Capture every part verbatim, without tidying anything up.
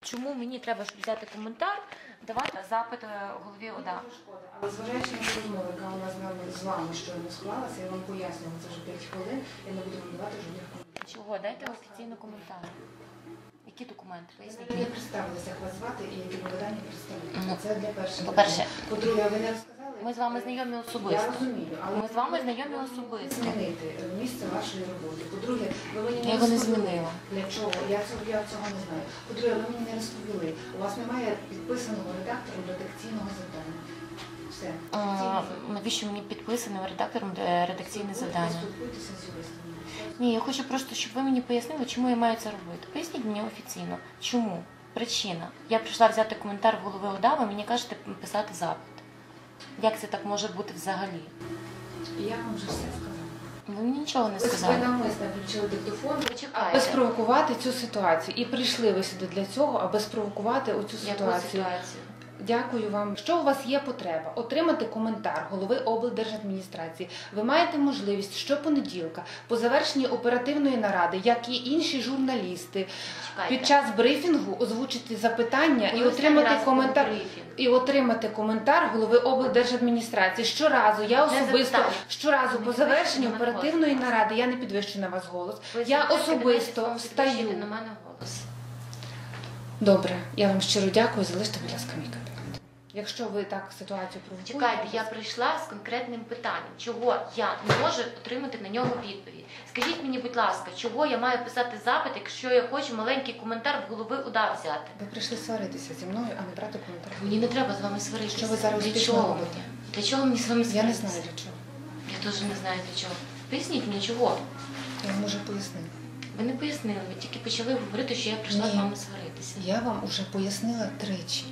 Чому мені треба, щоб взяти коментар, давати запит голові ОДА? Але зважаючи на розмову, яка у нас з вами, з вами щойно склалася, я вам пояснювала, це вже п'ять хвилин, я не буду вам давати жодних коментарів. Чого? Дайте офіційний коментар. Які документи? Поясніть. Ви не представилися, як вас звати і які завдання представити. Ну, Це для першого. по-перше, По-друге, ви не розказали. Ми з вами знайомі особисто. Я розумію, але Ми з вами знайомі особисто. змінити місце вашої роботи. По-друге, ви мені не Я його не розповіли. змінила. Для чого? Я цього, я цього не знаю. По-друге, ви мені не розповіли. У вас немає підписаного редактором редакційного завдання. Все. А, навіщо мені підписаним редактором е, редакційне завдання? Спілкуйтеся з юристами. Ні, я хочу просто, щоб ви мені пояснили, чому я маю це робити. Поясніть мені офіційно. Чому? Причина. Я прийшла взяти коментар в голови ОДА, ви мені кажете писати запит. Як це так може бути взагалі? Я вам вже все сказала. Ви мені нічого не Ви сказали. навмисно включили диктофон. Почекайте. Аби спровокувати цю ситуацію. І прийшли ви сюди для цього, аби спровокувати оцю Яку ситуацію. ситуацію? Дякую вам. Якщо у вас є потреба отримати коментар голови облдержадміністрації, ви маєте можливість щопонеділка по завершенні оперативної наради, як і інші журналісти, Чекайте. під час брифінгу озвучити запитання Коли і останній отримати раз коментар. був брифінг? І отримати коментар голови облдержадміністрації. Щоразу я Одне особисто, запитання. щоразу Не по підвищуйте завершенню на мене оперативної голос. наради, я не підвищую на вас голос, Ви я звертаєте особисто мене, підвищуйте встаю. на мене голос. Добре, я вам щиро дякую, залиште, будь ласка, мій кабінет. Якщо ви так ситуацію провокуєте... Чекайте, я прийшла з конкретним питанням, чого я не можу отримати на нього відповідь. Скажіть мені, будь ласка, чого я маю писати запит, якщо я хочу маленький коментар в голови ОДА взяти? Ви прийшли сваритися зі мною, а не брати коментар. Мені не треба з вами сваритися. Що ви зараз Для успішно чого робите? мені? Для чого мені з вами сваритися? Я не знаю для чого. Я теж не знаю для чого. Поясніть мені, чого? Я вам уже пояснила. Ви не пояснили, ви тільки почали говорити, що я прийшла Ні. з вами сваритися. Я вам уже пояснила тричі.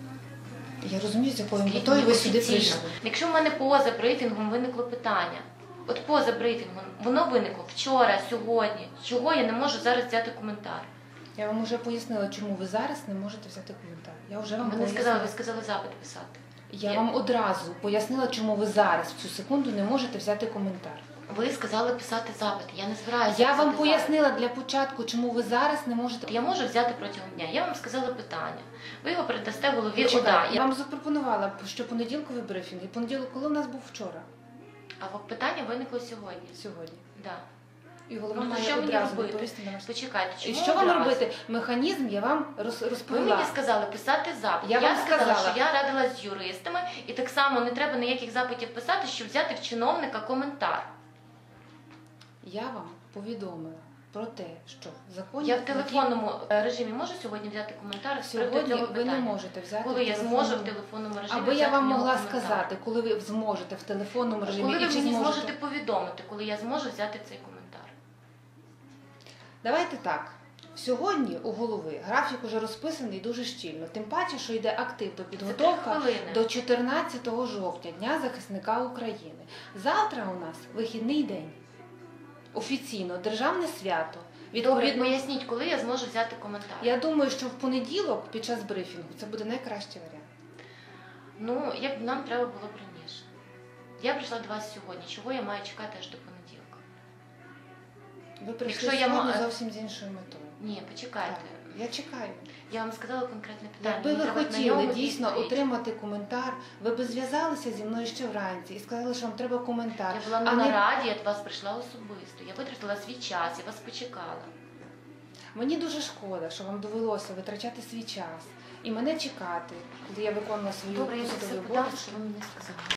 Я розумію, з якою Скажіть метою мені ви сюди офіційно. прийшли. Якщо в мене поза брифінгом виникло питання, от поза брифінгом, воно виникло вчора, сьогодні, чого я не можу зараз взяти коментар? Я вам уже пояснила, чому ви зараз не можете взяти коментар. Я вже вам Ви не пояснила. сказали, ви сказали запит писати. Я Я- вам одразу пояснила, чому ви зараз в цю секунду не можете взяти коментар. Ви сказали писати запит, я не збираюся Я писати вам пояснила запит. для початку, чому ви зараз не можете. Я можу взяти протягом дня. Я вам сказала питання. Ви його передасте голові ОДА. Почекайте, я Я... вам запропонувала, що понеділковий брифінг. І понеділок, коли у нас був вчора, А питання виникло сьогодні. сьогодні. Да. І голова Ну, то має що мені одразу робити? відповісти на ваш. Почекайте, І чому що вам одразу? робити? Механізм я вам роз- Ви розповіла. мені сказали писати запит. Я вам сказала, сказала. що я радилась з юристами, і так само не треба ніяких запитів писати, щоб взяти в чиновника коментар. Я вам повідомила про те, що законі Я в телефонному е, режимі можу сьогодні взяти коментар з приводу сьогодні цього ви питання? не можете взяти. Коли в я телефонному- зможу в телефонному режимі Аби я взяти вам в нього могла коментар? сказати, коли ви зможете в телефонному режимі Коли ви і чи мені зможете. зможете повідомити, коли я зможу взяти цей коментар? Давайте так. Сьогодні у голови графік уже розписаний дуже щільно. Тим паче, що йде активна підготовка хвилини. до чотирнадцятого жовтня, Дня захисника України. Завтра у нас вихідний день. Офіційно, державне свято. Добре, Відповідно, поясніть, коли я зможу взяти коментар. я думаю, що в понеділок під час брифінгу це буде найкращий варіант. Ну, як нам треба було б раніше. Я прийшла до вас сьогодні. Чого я маю чекати аж до понеділка? Ви прийшли Якщо я сьогодні ма- зовсім з іншою метою. Ні, почекайте. Так, я чекаю. Я вам сказала конкретне питання. Якби мені ви треба на хотіли нього дійсно відповідь. отримати коментар, ви б зв'язалися зі мною ще вранці і сказали, що вам треба коментар. Я була на а не- нараді, я до вас прийшла особисто. Я витратила свій час, я вас почекала. Мені дуже шкода, що вам довелося витрачати свій час і мене чекати, коли я виконувала свою Добре, я посадову все подам, обов'язки. що ви мені сказали.